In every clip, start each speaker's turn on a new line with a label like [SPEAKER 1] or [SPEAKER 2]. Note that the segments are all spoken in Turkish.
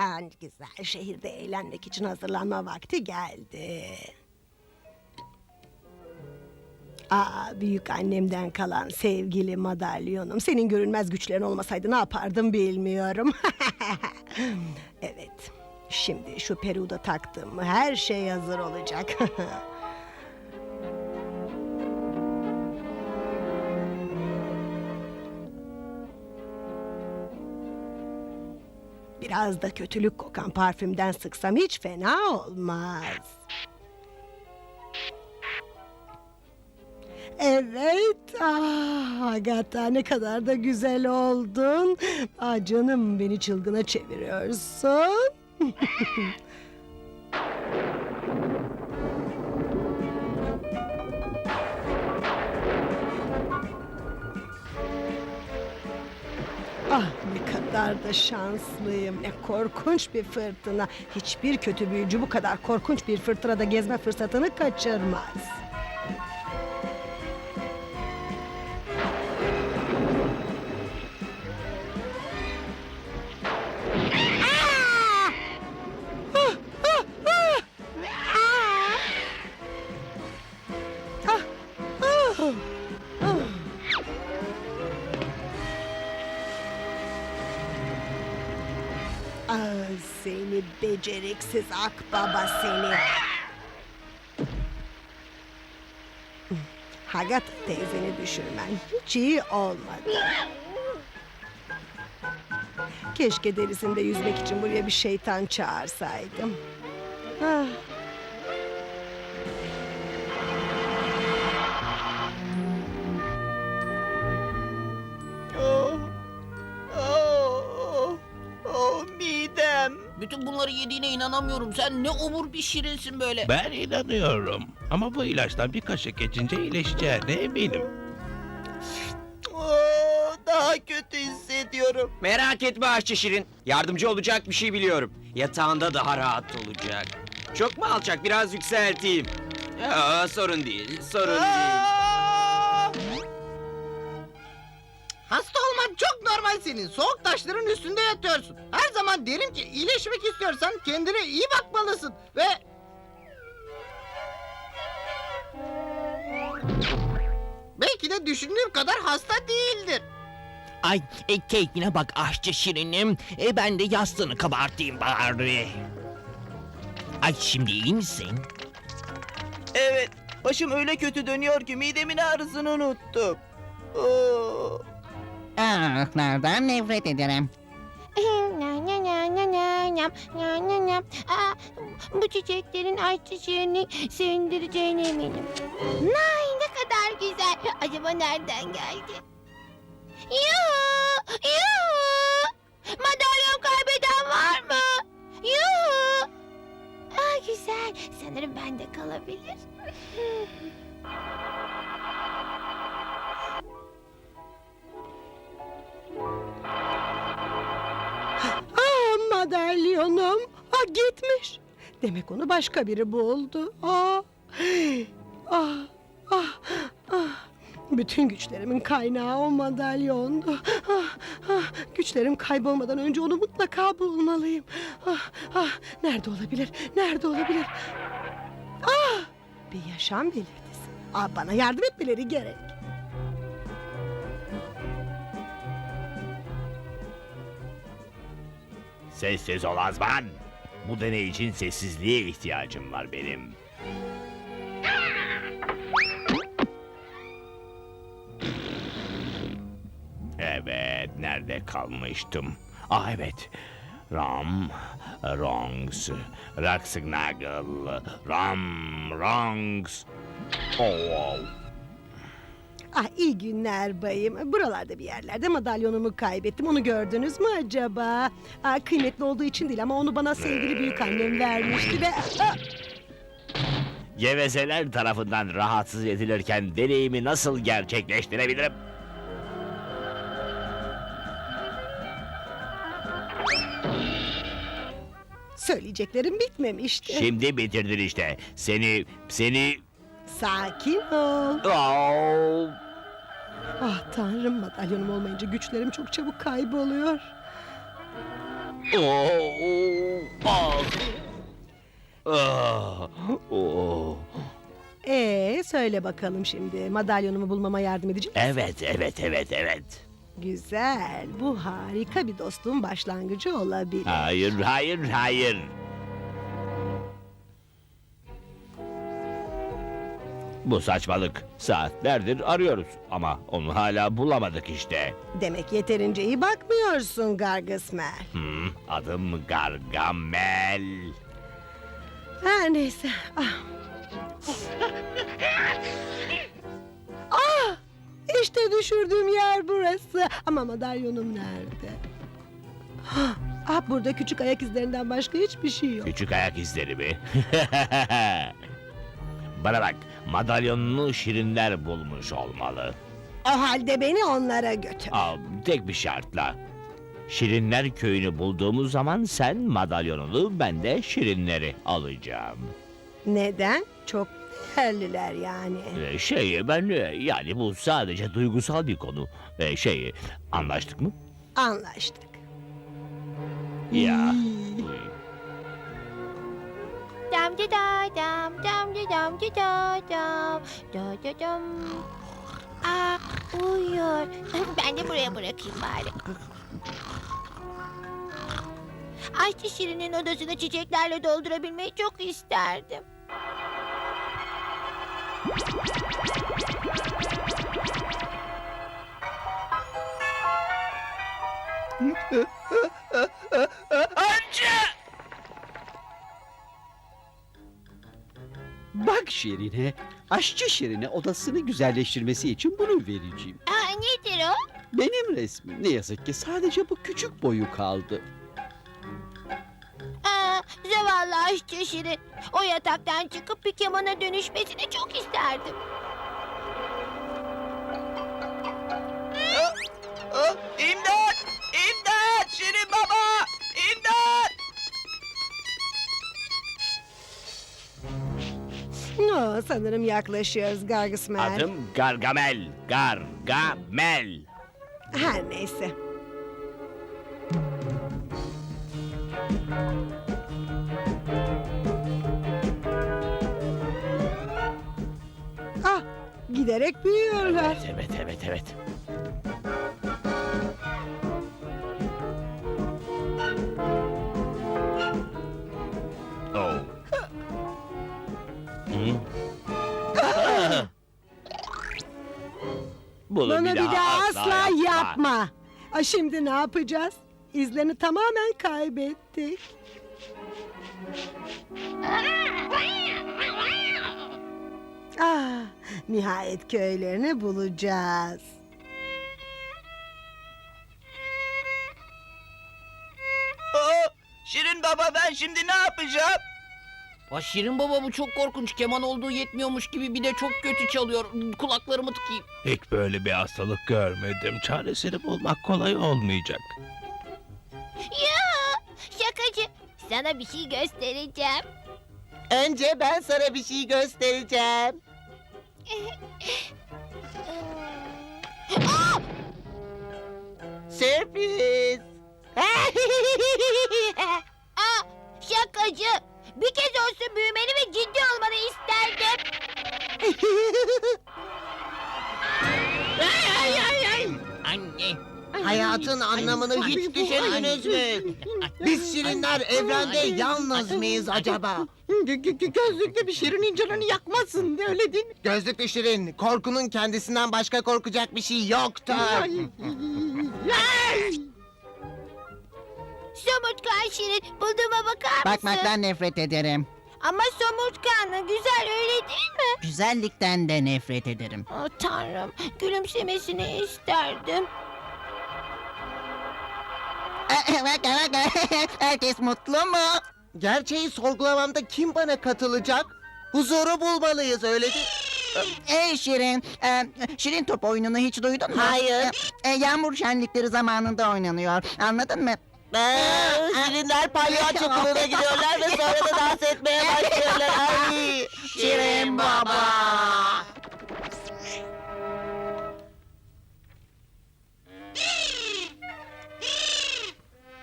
[SPEAKER 1] Güzel, şehirde eğlenmek için hazırlanma vakti geldi. Büyük annemden kalan sevgili madalyonum. Senin görünmez güçlerin olmasaydı ne yapardım bilmiyorum. Evet, şimdi şu peruğu da taktım mı her şey hazır olacak. Biraz da kötülük kokan parfümden sıksam hiç fena olmaz. Evet, Agatha ne kadar da güzel oldun. Canım beni çılgına çeviriyorsun. Ne kadar da şanslıyım. Ne korkunç bir fırtına. Hiçbir kötü büyücü bu kadar korkunç bir fırtınada gezme fırsatını kaçırmaz. Seni beceriksiz akbaba seni. Agatha teyzeni düşürmen hiç iyi olmadı. Keşke derisinde yüzmek için buraya bir şeytan çağırsaydım. Ah.
[SPEAKER 2] Midem.
[SPEAKER 3] Bütün bunları yediğine inanamıyorum. Sen ne obur bir şirinsin böyle.
[SPEAKER 4] Ben inanıyorum. Ama bu ilaçtan bir kaşık geçince iyileşeceğine eminim.
[SPEAKER 2] Daha kötü hissediyorum.
[SPEAKER 5] Merak etme Aşçı Şirin. Yardımcı olacak bir şey biliyorum. Yatağında daha rahat olacak. Çok mu alçak? Biraz yükselteyim. Sorun değil, sorun değil.
[SPEAKER 2] Hasta olman çok normal senin. Soğuk taşların üstünde yatıyorsun. Her zaman derim ki iyileşmek istiyorsan kendine iyi bakmalısın. Ve... belki de düşündüğüm kadar hasta değildir.
[SPEAKER 3] Ay keyfine bak aşçı şirinim. Ben de yastığını kabartayım bari. Ay şimdi iyi misin?
[SPEAKER 2] Evet, başım öyle kötü dönüyor ki midemin ağrısını unuttum.
[SPEAKER 6] Nereden nefret ederim.
[SPEAKER 7] Bu çiçeklerin ayçiçeğini sevindireceğine eminim. Nay ne kadar güzel. Acaba nereden geldi? Yuhu! Yuhu! Madalyon kaybeden var mı? Yuhu! Güzel. Sanırım bende kalabilir.
[SPEAKER 1] Madalyonum. Gitmiş. Demek onu başka biri buldu. Bütün güçlerimin kaynağı o madalyondu. Güçlerim kaybolmadan önce onu mutlaka bulmalıyım. Nerede olabilir? Nerede olabilir? Bir yaşam belirtisi. Bana yardım etmeleri gerek.
[SPEAKER 4] Sessiz ol Azman. Bu deney için sessizliğe ihtiyacım var benim. Evet, nerede kalmıştım? Evet. Wrongs, Raxnagel, Wrongs. Oh.
[SPEAKER 1] İyi günler bayım. Buralarda bir yerlerde madalyonumu kaybettim. Onu gördünüz mü acaba? Kıymetli olduğu için değil ama onu bana sevgili büyük annem vermişti ve...
[SPEAKER 4] Gevezeler tarafından rahatsız edilirken deneyimi nasıl gerçekleştirebilirim?
[SPEAKER 1] Söyleyeceklerim bitmemişti.
[SPEAKER 4] Şimdi bitirdin işte. Seni...
[SPEAKER 1] Sakin ol.
[SPEAKER 4] Oh.
[SPEAKER 1] Tanrım, madalyonum olmayınca güçlerim çok çabuk kayboluyor. Söyle bakalım şimdi. Madalyonumu bulmama yardım edecek misin?
[SPEAKER 4] Evet.
[SPEAKER 1] Güzel. Bu harika bir dostluğun başlangıcı olabilir.
[SPEAKER 4] Hayır. Bu saçmalık. Saatlerdir arıyoruz ama onu hala bulamadık işte.
[SPEAKER 1] Demek yeterince iyi bakmıyorsun Gargısmer.
[SPEAKER 4] Adım Gargamel.
[SPEAKER 1] Her neyse. İşte düşürdüğüm yer burası. Ama madalyonum nerede? Burada küçük ayak izlerinden başka hiçbir şey yok.
[SPEAKER 4] Küçük ayak izleri mi? Bana bak, madalyonunu şirinler bulmuş olmalı.
[SPEAKER 1] O halde beni onlara götür.
[SPEAKER 4] Tek bir şartla. Şirinler köyünü bulduğumuz zaman sen madalyonunu, ben de şirinleri alacağım.
[SPEAKER 1] Neden? Çok değerliler yani.
[SPEAKER 4] Yani bu sadece duygusal bir konu. Anlaştık mı?
[SPEAKER 1] Anlaştık.
[SPEAKER 4] Ya.
[SPEAKER 7] Dam da da dam dam da dam da da dam da da dam. Uyuyor. Ben de buraya bırakayım bari. Aşçı Şirin'in odasını çiçeklerle doldurabilmeyi çok isterdim.
[SPEAKER 8] Bak Şirin'e, aşçı Şirin'e odasını güzelleştirmesi için bunu vereceğim.
[SPEAKER 7] Nedir o?
[SPEAKER 8] Benim resmim. Ne yazık ki sadece bu küçük boyu kaldı.
[SPEAKER 7] Zavallı aşçı Şirin. O yataktan çıkıp bir kemana dönüşmesini çok isterdim.
[SPEAKER 5] İmdat! İmdat! Şirin baba! İmdat!
[SPEAKER 1] Sanırım yaklaşıyoruz Gargısmer.
[SPEAKER 4] Adım Gargamel. Gargamel.
[SPEAKER 1] Her neyse. Giderek büyüyorlar.
[SPEAKER 4] Evet. Bunu
[SPEAKER 1] Bana bir daha asla
[SPEAKER 4] yapma.
[SPEAKER 1] yapma. Şimdi ne yapacağız? İzlerini tamamen kaybettik. Nihayet köylerini bulacağız.
[SPEAKER 5] Şirin baba ben şimdi ne yapacağım?
[SPEAKER 3] Şirin baba bu çok korkunç. Keman olduğu yetmiyormuş gibi bir de çok kötü çalıyor. Kulaklarımı tıkayım.
[SPEAKER 9] Hiç böyle bir hastalık görmedim. Çaresini bulmak kolay olmayacak.
[SPEAKER 7] Ya şakacı. Sana bir şey göstereceğim.
[SPEAKER 2] Önce ben sana bir şey göstereceğim. Sürpriz.
[SPEAKER 7] Şakacı. Bir kez olsun büyümeni ve ciddi olmanı isterdim.
[SPEAKER 3] Anne.
[SPEAKER 2] Hayatın anlamını hiç düşündünüz mü? Biz şirinler evrende yalnız mıyız acaba? Gözlüklü bir şirinin canını yakmasın, öyle değil mi? Gözlüklü şirin, korkunun kendisinden başka korkacak bir şey yoktur.
[SPEAKER 7] Somurtkan Şirin, bulduğuma bakar mısın?
[SPEAKER 6] Bakmaktan nefret ederim.
[SPEAKER 7] Ama somurtkanlı, güzel öyle değil mi?
[SPEAKER 6] Güzellikten de nefret ederim.
[SPEAKER 7] Tanrım, gülümsemesini isterdim.
[SPEAKER 6] Herkes mutlu mu?
[SPEAKER 2] Gerçeği sorgulamamda kim bana katılacak? Huzuru bulmalıyız, öyle değil
[SPEAKER 6] Ey Şirin, Şirin top oyununu hiç duydun mu?
[SPEAKER 2] Hayır.
[SPEAKER 6] Yağmur şenlikleri zamanında oynanıyor. Anladın mı?
[SPEAKER 2] Şirinler palyaço kılığına gidiyorlar ve sonra da dans etmeye başlıyorlar. Ay, Şirin baba.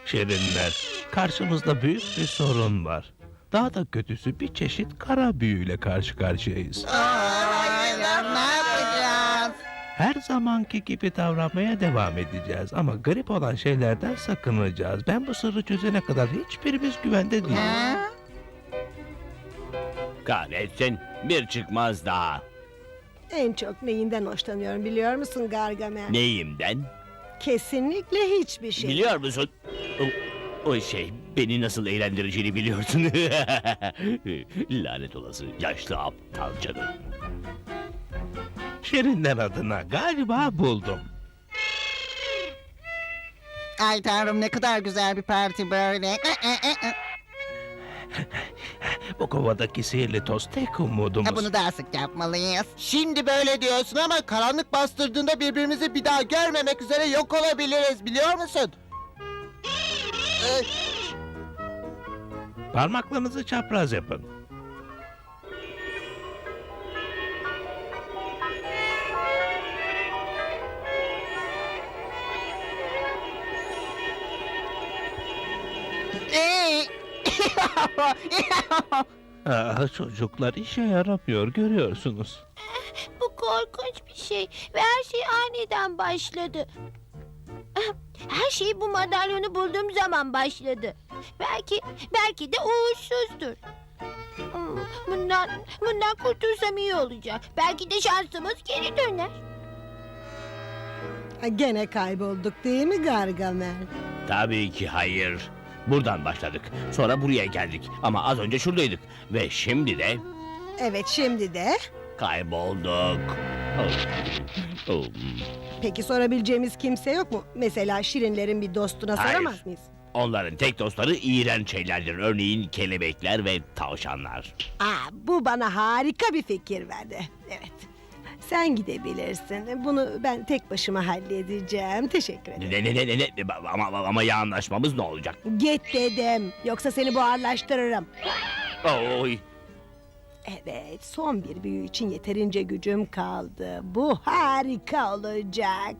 [SPEAKER 9] Şirinler, karşımızda büyük bir sorun var. Daha da kötüsü bir çeşit kara büyüyle karşı karşıyayız.
[SPEAKER 6] Hayır, ne yapacağız?
[SPEAKER 9] Her zamanki gibi davranmaya devam edeceğiz ama garip olan şeylerden sakınacağız. Ben bu sırrı çözene kadar hiçbirimiz güvende değiliz.
[SPEAKER 6] Ha?
[SPEAKER 4] Kahretsin, bir çıkmaz daha.
[SPEAKER 1] En çok neyinden hoşlanıyorum biliyor musun Gargamel?
[SPEAKER 4] Neyimden?
[SPEAKER 1] Kesinlikle hiçbir şey.
[SPEAKER 4] Biliyor musun? O şey, beni nasıl eğlendireceğini biliyorsun. Lanet olası yaşlı aptal canım.
[SPEAKER 9] Şirinler adına galiba buldum.
[SPEAKER 6] Ay tanrım ne kadar güzel bir parti böyle.
[SPEAKER 9] Bu kovadaki sihirli toz tek umudumuz.
[SPEAKER 6] Bunu daha sık yapmalıyız.
[SPEAKER 2] Şimdi böyle diyorsun ama karanlık bastırdığında birbirimizi bir daha görmemek üzere yok olabiliriz biliyor musun?
[SPEAKER 9] Parmaklarınızı çapraz yapın. Çocuklar işe yaramıyor görüyorsunuz.
[SPEAKER 7] Bu korkunç bir şey ve her şey aniden başladı. Her şey bu madalyonu bulduğum zaman başladı. Belki de uğursuzdur. Bundan kurtulsam iyi olacak. Belki de şansımız geri döner.
[SPEAKER 1] Gene kaybolduk değil mi Gargamel?
[SPEAKER 4] Tabii ki hayır. Buradan başladık. Sonra buraya geldik. Ama az önce şuradaydık. Ve şimdi de
[SPEAKER 1] Evet şimdi de.
[SPEAKER 4] kaybolduk. Oh.
[SPEAKER 1] Peki sorabileceğimiz kimse yok mu? Mesela Şirinlerin bir dostuna
[SPEAKER 4] Hayır.
[SPEAKER 1] soramaz mıyız?
[SPEAKER 4] Onların tek dostları iğrenç şeylerdir. Örneğin kelebekler ve tavşanlar.
[SPEAKER 1] Bu bana harika bir fikir verdi. Evet. Sen gidebilirsin. Bunu ben tek başıma halledeceğim. Teşekkür ederim.
[SPEAKER 4] Ama ya anlaşmamız ne olacak?
[SPEAKER 1] Git dedim. Yoksa seni buharlaştırırım.
[SPEAKER 4] Oy.
[SPEAKER 1] Evet, son bir büyü için yeterince gücüm kaldı. Bu harika olacak.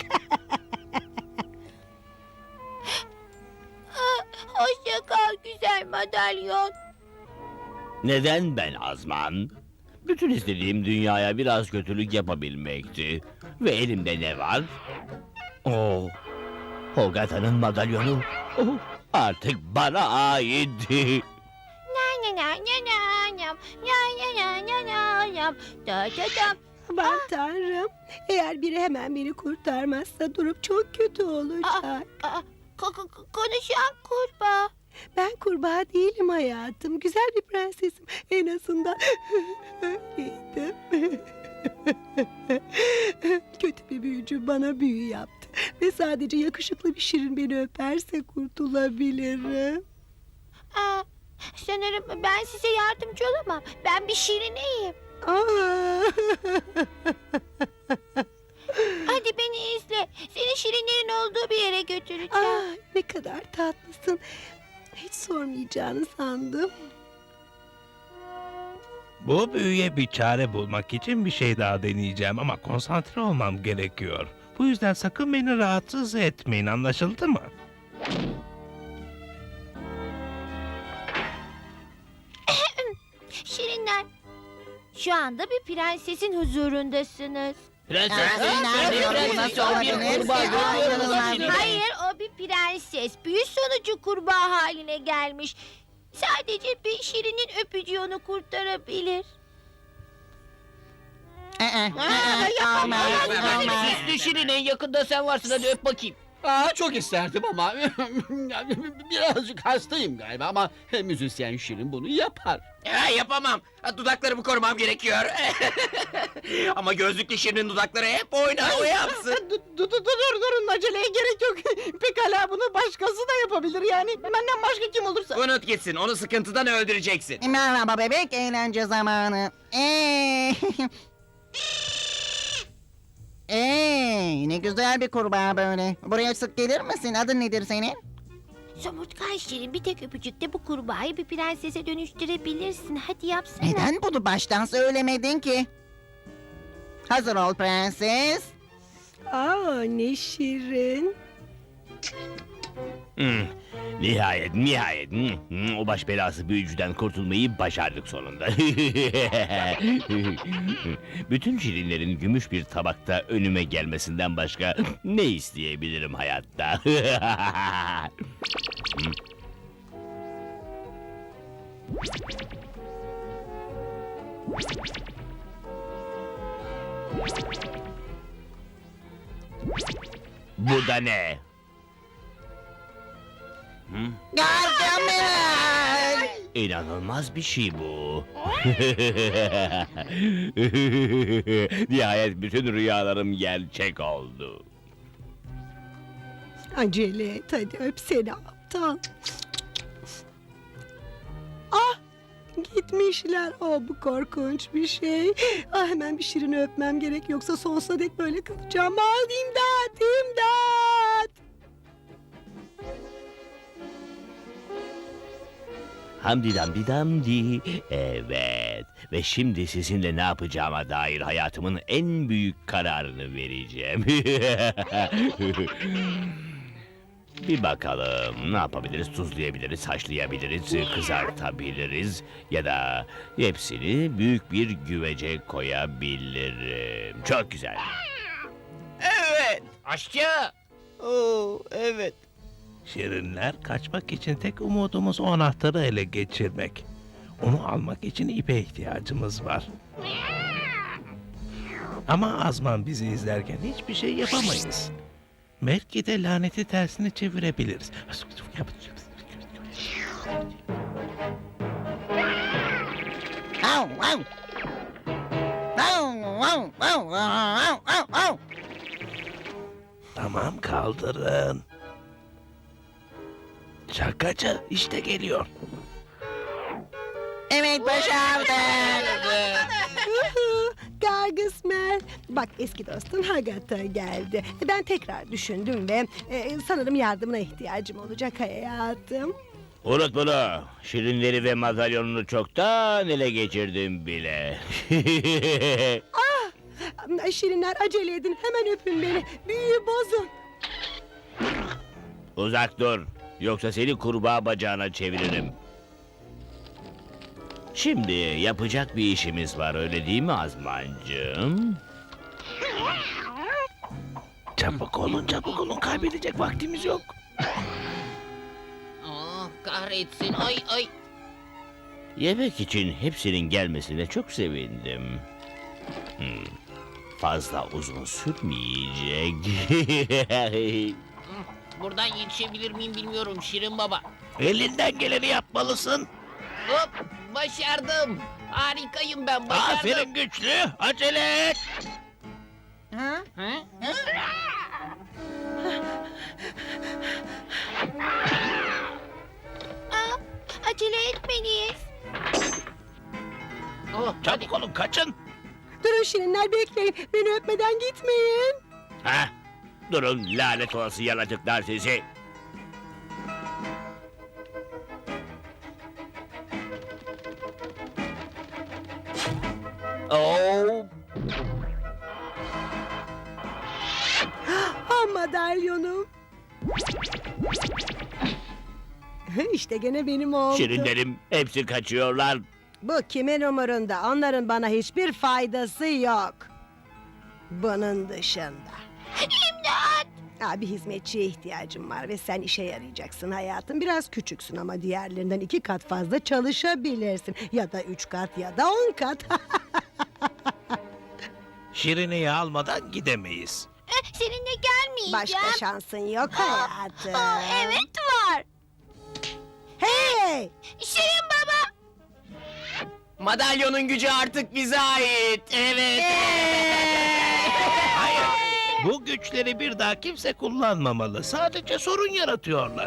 [SPEAKER 7] Hoşça kal güzel madalyon.
[SPEAKER 4] Neden ben Azman? Bütün istediğim dünyaya biraz kötülük yapabilmekti. Ve elimde ne var? Oh, Hogata'nın madalyonu. Oh, artık bana ait.
[SPEAKER 1] Aman tanrım. Eğer biri hemen beni kurtarmazsa durum çok kötü olacak.
[SPEAKER 7] Konuşan kurbağa.
[SPEAKER 1] Ben kurbağa değilim hayatım. Güzel bir prensesim. En azından öyleydim. Kötü bir büyücü bana büyü yaptı. Ve sadece yakışıklı bir şirin beni öperse kurtulabilirim.
[SPEAKER 7] Sanırım ben size yardımcı olamam. Ben bir şirineyim. Hadi beni izle. Seni şirinlerin olduğu bir yere götüreceğim.
[SPEAKER 1] Ne kadar tatlısın. Hiç sormayacağını sandım.
[SPEAKER 9] Bu büyüye bir çare bulmak için bir şey daha deneyeceğim ama konsantre olmam gerekiyor. Bu yüzden sakın beni rahatsız etmeyin, anlaşıldı mı?
[SPEAKER 7] Şirinler, şu anda bir prensesin huzurundasınız. Hayır, o bir prenses. Büyü sonucu kurbağa haline gelmiş. Sadece bir şirinin öpücüğü onu kurtarabilir.
[SPEAKER 3] Süslü Şirin en yakında sen varsın, hadi öp bakayım.
[SPEAKER 8] Çok isterdim ama birazcık hastayım galiba ama müzisyen Şirin bunu yapar.
[SPEAKER 5] Yapamam. Dudaklarımı korumam gerekiyor. Ama gözlüklü Şirin'in dudakları hep oynar, o yapsın.
[SPEAKER 2] Durun aceleye gerek yok. Pekala bunu başkası da yapabilir yani. Benden başka kim olursa.
[SPEAKER 5] Unut gitsin, onu sıkıntıdan öldüreceksin.
[SPEAKER 6] Merhaba bebek, eğlence zamanı. Ne güzel bir kurbağa böyle. Buraya sık gelir misin? Adın nedir senin?
[SPEAKER 7] Somurtkan Şirin, bir tek öpücükte bu kurbağayı bir prensese dönüştürebilirsin. Hadi yapsana.
[SPEAKER 6] Neden bunu baştan söylemedin ki? Hazır ol prenses.
[SPEAKER 1] Ne şirin.
[SPEAKER 4] Nihayet. O baş belası büyücüden kurtulmayı başardık sonunda. Bütün şirinlerin gümüş bir tabakta önüme gelmesinden başka ne isteyebilirim hayatta? Bu da ne?
[SPEAKER 6] Gargamel!
[SPEAKER 4] İnanılmaz bir şey bu. Nihayet bütün rüyalarım gerçek oldu.
[SPEAKER 1] Acele et hadi öp seni aptal. Ah gitmişler. Oh bu korkunç bir şey. Ah hemen bir Şirin'i öpmem gerek yoksa sonsuza dek böyle kalacağım. Ah imdat imdat.
[SPEAKER 4] Hamdi damdi damdi. Evet. Ve şimdi sizinle ne yapacağıma dair hayatımın en büyük kararını vereceğim. Bir bakalım ne yapabiliriz? Tuzlayabiliriz, haşlayabiliriz, kızartabiliriz ya da hepsini büyük bir güvece koyabilirim. Çok güzel.
[SPEAKER 5] Evet.
[SPEAKER 3] Aşçı!
[SPEAKER 5] Oo, evet.
[SPEAKER 9] Şirinler kaçmak için tek umudumuz o anahtarı ele geçirmek. Onu almak için ipe ihtiyacımız var. Ama Azman bizi izlerken hiçbir şey yapamayız. Belki de laneti tersini çevirebiliriz.
[SPEAKER 6] Au, au. Au, au, au, au, au, au.
[SPEAKER 9] Tamam kaldırın. Şakacı işte geliyor.
[SPEAKER 6] Evet başardık.
[SPEAKER 1] Gargısmer. Bak eski dostun Hagata geldi. Ben tekrar düşündüm ve sanırım yardımına ihtiyacım olacak hayatım.
[SPEAKER 4] Unut bunu. Şirinleri ve madalyonunu çoktan ele geçirdim bile.
[SPEAKER 1] Şirinler acele edin hemen öpün beni. Büyüyü bozun.
[SPEAKER 4] Uzak dur. Yoksa seni kurbağa bacağına çeviririm. Şimdi yapacak bir işimiz var öyle değil mi Azmancığım?
[SPEAKER 9] Çabuk olun kaybedecek vaktimiz yok.
[SPEAKER 3] Ah kahretsin ay.
[SPEAKER 4] Yemek için hepsinin gelmesine çok sevindim. Fazla uzun sürmeyecek.
[SPEAKER 3] Buradan yetişebilir miyim bilmiyorum Şirin Baba.
[SPEAKER 9] Elinden geleni yapmalısın.
[SPEAKER 3] Hop başardım. Harikayım ben başardım.
[SPEAKER 9] Aferin güçlü. Acele et.
[SPEAKER 6] Ha?
[SPEAKER 3] Ha?
[SPEAKER 7] Acele etmeliyiz.
[SPEAKER 3] Oh, hadi.
[SPEAKER 9] Çabuk olun kaçın.
[SPEAKER 1] Durun Şirinler bekleyin. Beni öpmeden gitmeyin.
[SPEAKER 4] Ha? Durun lanet olası yaratıklar sizi. Oh,
[SPEAKER 1] Ha madalyonum. İşte gene benim oldu.
[SPEAKER 4] şirinlerim hepsi kaçıyorlar.
[SPEAKER 1] Bu kimin umurunda? Onların bana hiçbir faydası yok. Bunun dışında.
[SPEAKER 7] İmdat!
[SPEAKER 1] Bir hizmetçiye ihtiyacım var ve sen işe yarayacaksın hayatım. Biraz küçüksün ama diğerlerinden 2 kat fazla çalışabilirsin. Ya da 3 kat ya da 10 kat.
[SPEAKER 9] Şirine'yi almadan gidemeyiz.
[SPEAKER 7] Seninle gelmeyeceğim.
[SPEAKER 1] Başka şansın yok hayatım.
[SPEAKER 7] Evet var.
[SPEAKER 1] Hey!
[SPEAKER 7] Şirin Baba.
[SPEAKER 5] Madalyonun gücü artık bize ait. Evet.
[SPEAKER 9] Hayır. Bu güçleri bir daha kimse kullanmamalı. Sadece sorun yaratıyorlar.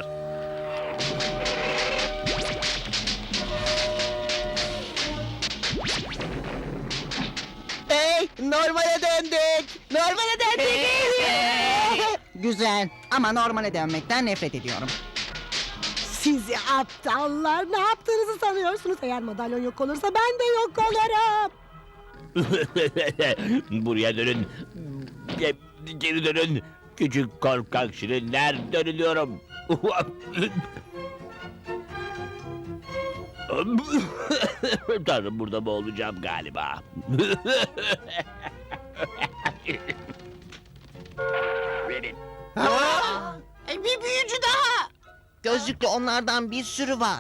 [SPEAKER 6] Hey, normale döndük. Normale döndük. Güzel ama normale dönmekten nefret ediyorum.
[SPEAKER 1] Sizi aptallar ne yaptığınızı sanıyorsunuz? Eğer madalyon yok olursa ben de yok olurum.
[SPEAKER 4] Buraya dönün. Geri dönün. Küçük korkak şirinler dönüyorum. Tanrım, burada boğulacağım galiba.
[SPEAKER 6] Bir büyücü daha. Gözlüklü onlardan bir sürü var.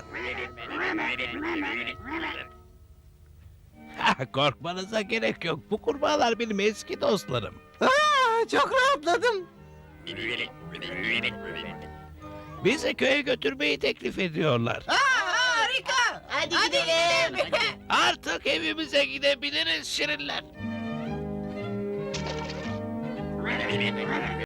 [SPEAKER 9] Korkmanıza gerek yok. Bu kurbağalar benim eski dostlarım.
[SPEAKER 6] Çok rahatladım.
[SPEAKER 9] Bizi köye götürmeyi teklif ediyorlar.
[SPEAKER 6] Harika. Hadi gidelim.
[SPEAKER 9] Artık evimize gidebiliriz şirinler.